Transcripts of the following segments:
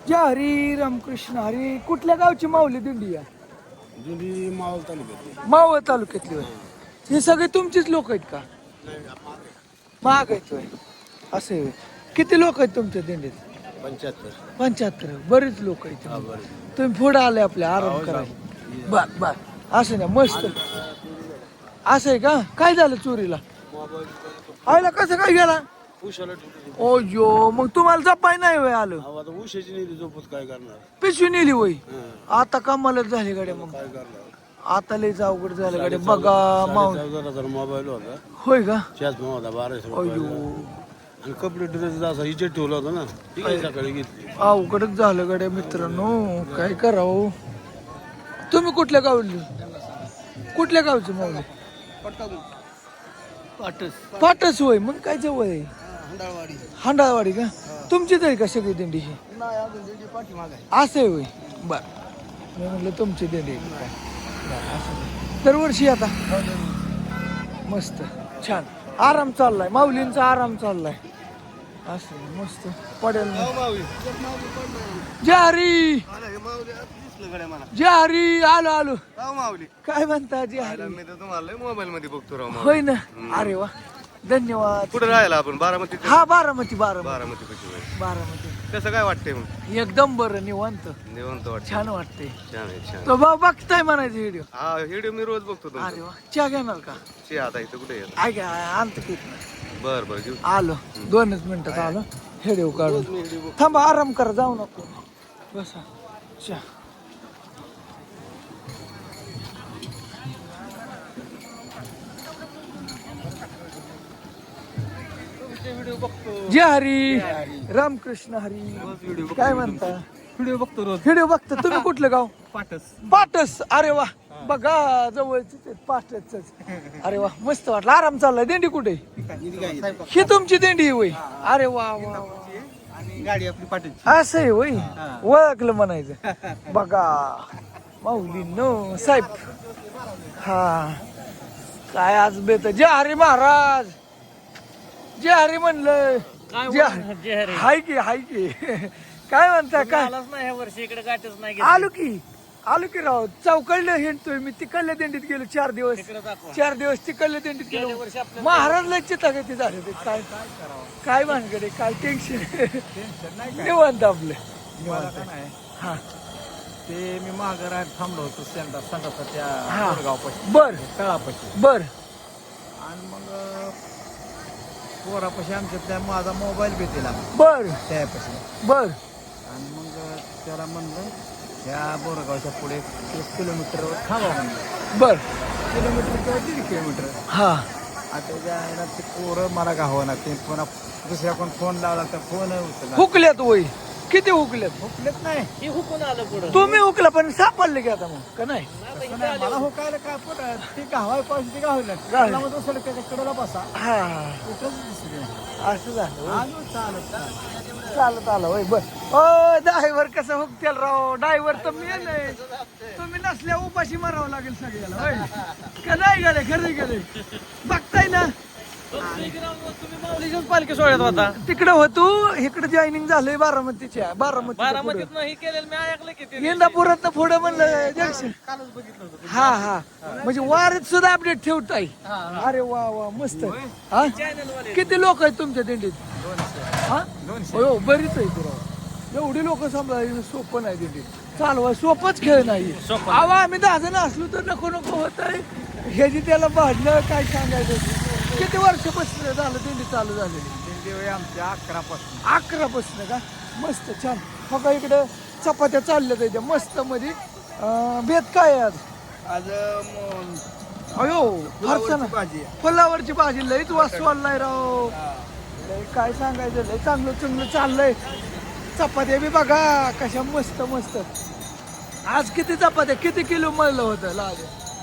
जय हरी रामकृष्ण हरी. कुठल्या गावची माऊली दिंडी आहे? जुनी मावळ तालुक्यात. मावळ तालुक्यातली होय. हे सगळे तुमचीच लोक आहेत का? महाग आहेत होय. असे होय. किती लोक आहेत तुमच्या दिंडीत? 75. 75. बरेच लोक आहेत. हा, बरं. तुम्ही पुढे आले आपल्या आराम करायला. बर बर. असं ना मस्त. असं आहे का? काय झालं चोरीला? आयला कसं काय गेला? उशाला ठेवली. ओ यो, मग तुम्हाला जपाय नाही वय आलं? अहो, आता उशाची नेली झोपत काय करणार? पिशवी नेली वय. हं. आता कमालच झाली गाड्या मग. काय करणार? आता लयच अवघड झालं गाड्या. बघा माऊली. 14,000 मोबाईल होता. होय का? चष्मा होता 1200 अयो, रुपयाचा. आणि कपडे ड्रेस असा इजेट ठेवला होता ना, ती काही सकाळी घेतली. अवघडच झालं गाड्या मित्रांनो. काय करावं? तुम्ही कुठल्या गावली? कुठल्या गावचे माऊली? पाटस होय. मग काय जवळ आहे? हांडाळवाडी का? तुमचीच आहे का सगळी दिंडी ही? असं आहे होय. बर, मी म्हटलं तुमची दिंडी आहे का काय. बरं, असं आहे. दरवर्षी आता मस्त छान आराम चाललाय. माऊलींचा आराम चाललाय. असं आहे, मस्त पडेल. जय हरी. जय हरी. आलो आलो. काय म्हणता जय हरी? मी तर तुम्हाला मोबाईल मध्ये बघतो राव. होय ना. अरे वा, धन्यवाद. कुठे राहायला आपण? बारामती. हा बारामती. बारामती बारामती पैकी. बारामती. कसं काय वाटतंय मग? एकदम बरं निवांत निवंत वाटत. छान वाटते. छान आहे, छान. तो भाऊ बघताय म्हणायचं व्हिडिओ. हा, व्हिडिओ मी रोज बघतो अरे तुमचा. वा, चहा घेणार का? चे आता इथं कुठे येत? ऐका आणतो की. बर बर घेऊ. आलो 2च मिनिटात आलो. व्हिडिओ काढून थांबा. आराम करा, जाऊ नको. बसा चहा. व्हिडिओ बघतो. जय हरी रामकृष्ण हरी. काय म्हणता? व्हिडिओ बघतो रोज. व्हिडिओ बघता. तुम्ही कुठलं गाव? पाटस. पाटस. अरे वा, बघा जवळच पाटच. अरे वा, मस्त वाटलं. आराम चाललाय. दिंडी कुठे? ही तुमची दिंडी होय. अरे वा वा वा. आणि गाडी आपली पाटस. असं आहे होय. ओळखलं म्हणायचं. बघा माऊली नो साहेब. हा, काय आज बेत. जय हरी महाराज. जय हरी म्हणलं. जय हरी. हाय की हाय की. काय म्हणता? काय नाही वर्षी इकडे गाठच नाही आलो की राव. चौकडलं हिंडतोय मी. तिकडल्या दिंडीत गेलो 4 दिवस. 4 दिवस तिकडल्या दिंडीत गेलो. महाराजला चितागती झाले ते. काय भानगडे, काय टेन्शन निवांत आपलं निवांत. हा, ते मी माघार थांबलो होतो संडासाच्या हा. गावपाशी बर तळापाशी. बर. आणि मग पोरापाशी आमच्या त्या माझा मोबाईल भेटेला बर त्यापाशी. बर. आणि मग त्याला म्हणलं त्या बोरगावच्या पुढे 1 किलोमीटरवर थांबा म्हणलं. बर. किलोमीटर किंवा 1.5 किलोमीटर. हा, आता त्या ते पोरं मला गावना. ते पुन्हा दुसऱ्या कोण फोन लावला तर फोन उचलला. हुकल्यात वय. किती हुकल्यात? हुकलेत नाही. हे हुकून आलं पुढं. तुम्ही हुकला पण सापडले की आता मग का नाही? तसं नाही, मला हुकायला काय पण ती गावाय पाहिजे ती गावलं. गावलं. त्याला मग दुसरं त्याच्या कडेला बसा. हा, कुठंच दिसली नाही. असं झालं होय. आलो चालत. चालत आलं होय. बर. ओ ड्रायव्हर कसं हुकतेल राव. ड्रायव्हर तर मी नाही. तुम्ही नसल्या उपाशी मारावं लागेल सगळ्याला होय. का नाही गेले? खरे गेले. बघताय ना. तुम्ही माऊलीच्याच पालखी सोहळ्यात होता. तिकडे होतो. इकडे जॉईनिंग झालंय बारामतीच्या. बारामतीत नाही केलेलं मी ऐकलं की ते. इंदापुरात पुढे म्हणलं जंक्शन. हा हा, म्हणजे वारीत सुद्धा अपडेट ठेवताय. अरे वा वा, मस्त. हा, किती लोक आहेत तुमच्या दिंडीत? हा, हो बरीच आहे राव. एवढी लोक सांभाळायला सोपं नाही दिंडीत. चालवा सोपंच खेळ नाही. आवा आम्ही 10 जण असलो तर नको नको होत आहे. ह्याची त्याला भांडणं काय सांगायचं. किती वर्षापासून झालं दिंडी चालू झालेली? दिंडी आमच्या 11 पासून. 11 पासून का? मस्त छान. बघा इकडे चपात्या चालल्या त्याच्या मस्त मध्ये. भेद काय आहे आज? आज अयो फारसा ना. भाजी. फुलावरची भाजी लईच वाचवायला राव. लय काय सांगायचं. लय चांगलं चांगलं चाललंय. चपात्या बी बघा कशा मस्त मस्त. आज किती चपात्या किती किलो मळलं होतं लाज?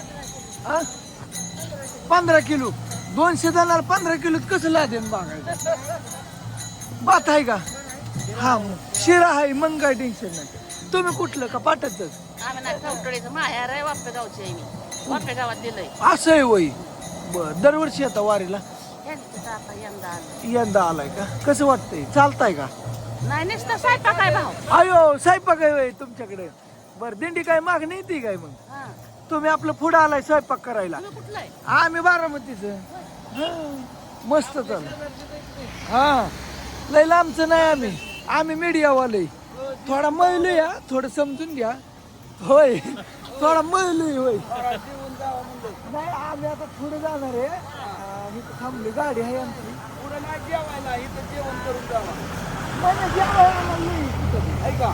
15 किलो. 200 जणांना 15 किलोत कसं लादेन बघायचं. बात आहे का? हा, शिरा आहे मग काय टेन्शन नाही. तुम्ही कुठलं का पाठच? आम्ही ना कवटळीचं माहेर आहे. वाप्या गावची आहे मी. वाप्या गावात दिलंय. असं आहे वय. बर. दरवर्षी आता वारीला? यांचं आता यंदा आलं. यंदा आलाय का? कसं वाटतंय? चालताय का? नाही नुसतं स्वयंपाक आहे भाऊ. अयो स्वयंपाक आहे होय तुमच्याकडे. बर दिंडी काय मागणी येते काय मग? हा. तुम्ही आपलं पुढं आलाय स्वयंपाक करायला. तुम्ही कुठलं आहे? आम्ही बारामतीचं. मस्त चालू. हा लय लांबचं नाही आम्ही मीडियावाले. थोडा मळलो या थोडं समजून घ्या. होय थोडा मळलोय होय. नाही आम्ही आता पुढे जाणार आहे. इथं थांबली गाडी आहे आमची. पुढे नाही जेवायला इथं जेवण करून जावा. मला जेवायला म्हणली तिथं. ऐका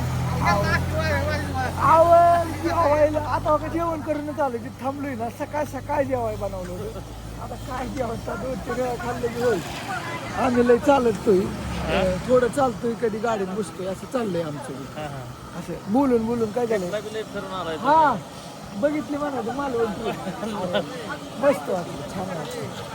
जेवायला आता का जेवण करूनच आलो. तिथे थांबलोय ना सकाळ जेवाय बनवलं होतं. आता काय जेवण 2-3 वेळा खाल्लं की होय. आम्ही लय चालतोय थोडं चालतोय कधी गाडीत बसतोय असं चाललंय आमचं. असं बोलून काय झालं. हा बघितली म्हणायचं मालवण मस्त वाटलं छान वाटलं.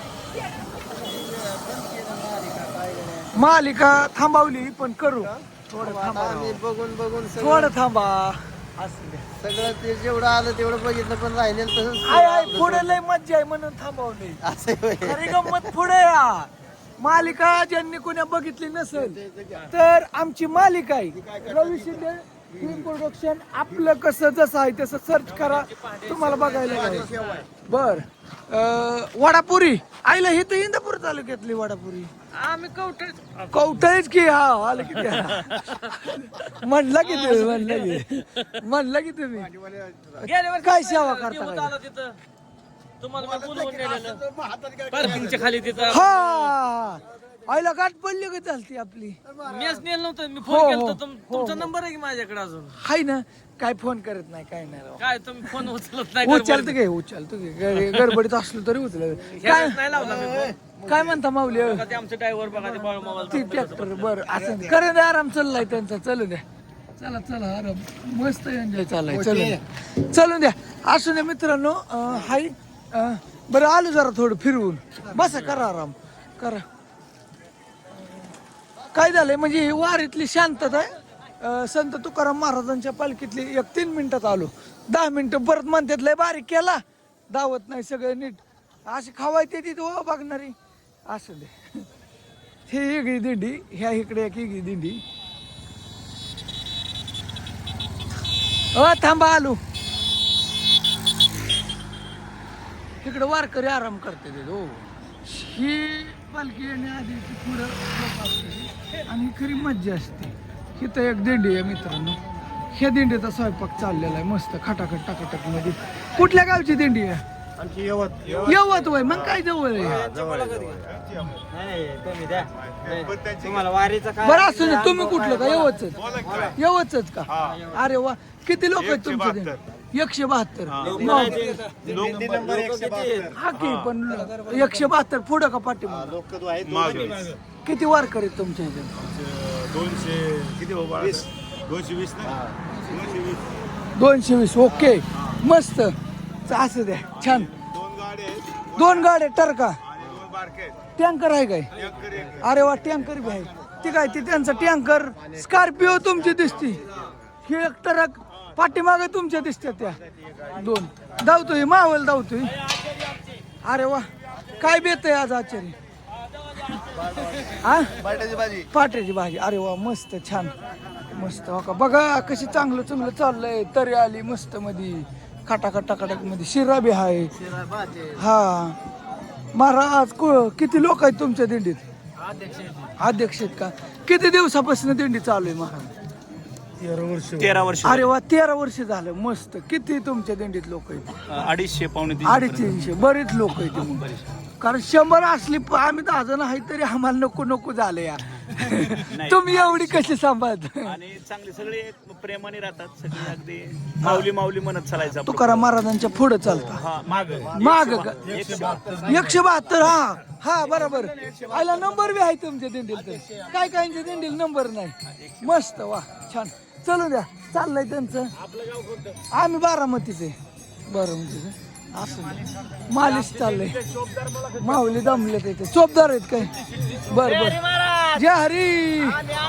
मालिका थांबवली पण करू थोडं थांबा. थोडं थांबा. सगळं ते जेवढं आलं तेवढं बघितलं पण राहिलेलं तसंच आय पुढे लय मज्जा आहे म्हणून थांबवली. खरी गंमत पुढे या. मालिका ज्यांनी कोण्या बघितली नसेल तर आमची मालिका आहे रवी शिंदे फिल्म प्रोडक्शन. आपलं कसं जसं आहे तसं सर्च करा तुम्हाला बघायला मिळेल. बर वडापुरी आईला हे तर इंदापूर तालुक्यातली वडापुरी. आम्ही कवठायच की. हा आलं की म्हणला की तुम्ही काय सेवा करता तिथं तुम्हाला मी बोलवून नेलेलं पार्किंगच्या खाली तिथं. हा आईला गाठ पडली का चालती आपली. मीच नेलं नव्हतं. मी हो, फोन हो, केला तुमचा नंबर आहे की माझ्याकडे अजून. हाय ना काय फोन करत नाही काय नाही राव. काय तुम्ही फोन उचलत नाही. उचलतो घे गडबडीत असलो तरी उचलत. काय नाही लावला मी phone. काय म्हणता माऊली. बघा ते आमचे ड्रायव्हर बघा ते बाळू मामाला ती ट्रॅक्टर बर असं करे द्या आराम चाललाय त्यांचा. चलू द्या चला आराम मस्त एन्जॉय चाललाय. चलून द्या असू द्या मित्रांनो. हाय बरं आलो जरा थोडं फिरवून बसा करा आराम करा. काय झालंय म्हणजे ही वारीतली शांतता आहे. संत तुकाराम महाराजांच्या पालखीतली 3 मिनिटात आलो. 10 मिनिटं परत म्हणतात लय बारीक केला दावत नाही सगळं नीट अशी खावायचे तिथे हो बघणारी. असू दे हे वेगळी दिंडी ह्या इकडे एक वेगळी दिंडी. थांबा आलो. इकडे वारकरी आराम करते ते. हो ही पालखी येण्याआधी पुढं लोक असते आणि खरी मज्जा असते. इथं एक दिंडी आहे मित्रांनो. ह्या दिंडीचा स्वयंपाक चाललेला आहे मस्त खटाखट टाकाटक मध्ये. कुठल्या गावची दिंडी आहे? यवत वय मग काय जवळ आहे. बरं असू दे. तुम्ही कुठलं का यवतच का? अरे वा किती लोक आहेत तुमच्या दिंडीत? 172. हा की पण 172 पुढं का पाठी किती वारकरी आहेत तुमच्या ह्याच्यात? 220. ओके मस्त असू द्या छान. 2 गाड्या टरका टँकर आहे काय? अरे वा टँकर बी आहे. ती काय ती त्यांचा टँकर स्कॉर्पिओ तुमची दिसती. ही एक ट्रक पाठीमागे तुमच्या दिसतात त्या 2 धावतोय मावल धावतोय. अरे वा काय बेत आहे आज आचार्य. हा पाट्याची भाजी. अरे वा मस्त छान मस्त. हो का बघा कशी चांगलं चाललंय. तरी आली मस्त मध्ये खटाखट मध्ये शिरा बी आहे. हा महाराज किती लोक आहेत तुमच्या दिंडीत? अध्यक्ष आहेत का? किती दिवसापासून दिंडी चालू आहे महाराज? 13 वर्ष. अरे वा 13 वर्ष झालं मस्त. किती तुमच्या दिंडीत लोक आहेत? 250-300 बरेच लोक आहेत मग. कारण 100 असली आम्ही 10 जण आहे तरी आम्हाला नको झालं या. तुम्ही एवढी कशी सांभाळत? आणि चांगले सगळे प्रेमाने राहतात सगळे अगदी माऊली म्हणत चालायचं. तुकाराम महाराजांच्या पुढे चालता माग का? 172. हा बरोबर. आयला नंबर बी आहे तुमच्या दिंडील तर काय काहींच्या दिंडील नंबर नाही. मस्त वा छान. चलू द्या चाललंय त्यांचं. आम्ही बारामतीचे. असं मालिश चाललंय. माऊली दमले ते चोपदार आहेत काय? बर जय हरी.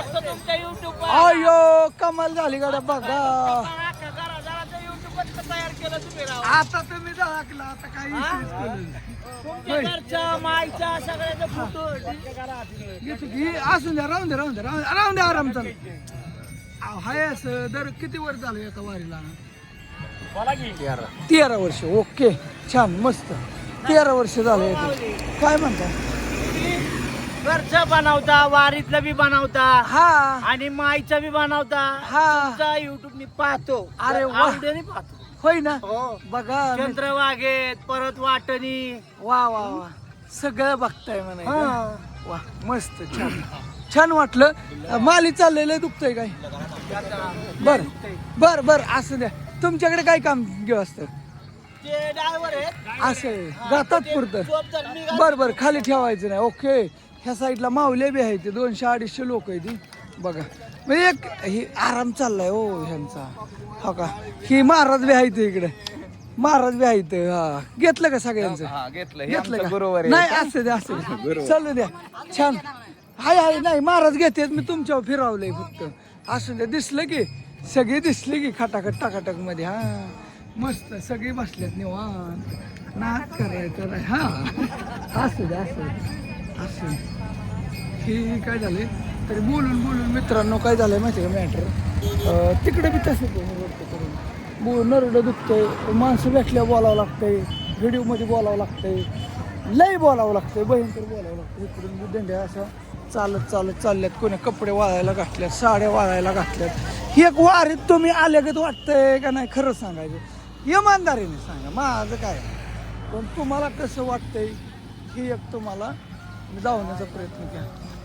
अयो कमाल झाली गाड्या बघा. केलं तुम्ही राव आता तुम्ही दाखला आता काही विषयच केलं नाही. तुमच्या घरच्या माईच्या सगळ्याचे फोटो घेतो की असून द्या राहून द्या आराम चालू हाय असं दर किती वर्ष झालं एका वारीला बोला की 13 वर्ष ओके छान मस्त 13 वर्ष झाले काय म्हणता घरचं बनवता वारीतलं बी बनवता हा आणि माईचं बी बनवता हा युट्यूब मी पाहतो अरे वा. आवडीने पाहतो होय ना हो बघा चंद्रवागेत परत वाटणी वा वा वा सगळं बघताय म्हणायचं वा मस्त छान छान वाटलं माली चाललेलं दुखतंय काय बर बर बर असं द्या तुमच्याकडे काय काम घेऊ असतं ते ड्रायव्हर आहेत असं गातात पुरतं बर बर खाली ठेवायचं नाही ओके ह्या साईडला मावले बी आहे ते 200-250 लोक आहे ती बघा म्हणजे एक ही आराम चाललाय हो ह्यांचा हो का ही महाराज बी आहे इकडे महाराज बी आहेत हा घेतलं का सगळ्यांचं घेतलं का नाही असं द्या असं चालू द्या छान हाय नाही महाराज घेतात मी तुमच्यावर फिरवलंय फक्त असं द्या दिसलं की सगळे दिसले की खटाखट टाकाटक मध्ये हा मस्त सगळे बसल्यात निवांत नाच करायचं नाही हा असू द्या असं हे काय झालंय तरी बोलून मित्रांनो काय झालंय माहिती का मॅटर तिकडे बी तसं नरडं दुखतंय माणसं भेटल्या बोलावं लागतंय व्हिडिओमध्ये बोलावं लागतंय लय बोलावं लागतंय भयंकर बोलावं लागतं इकडून बी दंड्या असं चालत चालल्यात कोणी कपडे वाळायला घातल्यात साड्या वाळायला घातल्यात ही एक वारीत तुम्ही आल्यागत वाटतंय का नाही खरं सांगायचं इमानदारीने सांगा माझं काय पण तुम्हाला कसं वाटतंय ही एक तुम्हाला जावण्याचा प्रयत्न केला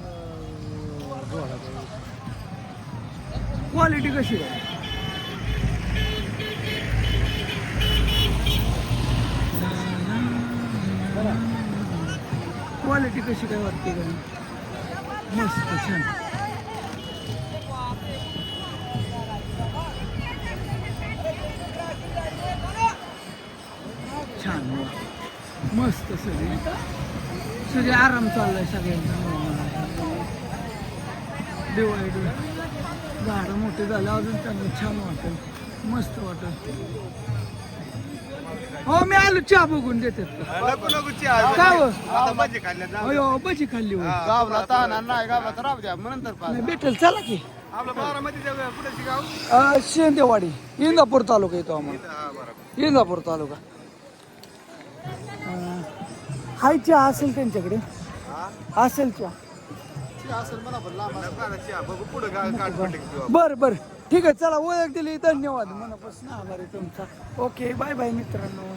क्वालिटी कशी आहे क्वालिटी कशी काय वाटते का मस्त छान छान मस्त सगळे आराम चाललाय सगळ्यांचा दिवाळी झाडं मोठे झाले अजून त्यांना छान वाटेल मस्त वाटेल हो मी आलो चहा बघून देतात का हो भजी खाल्ली भेटेल चला की शेंदेवाडी इंदापूर तालुका येतो आम्हाला इंदापूर तालुका हाय चहा असेल त्यांच्याकडे असेल चहा बर बर ठीक आहे चला ओळख दिली धन्यवाद मनापासून आभार आहे तुमचा ओके बाय बाय मित्रांनो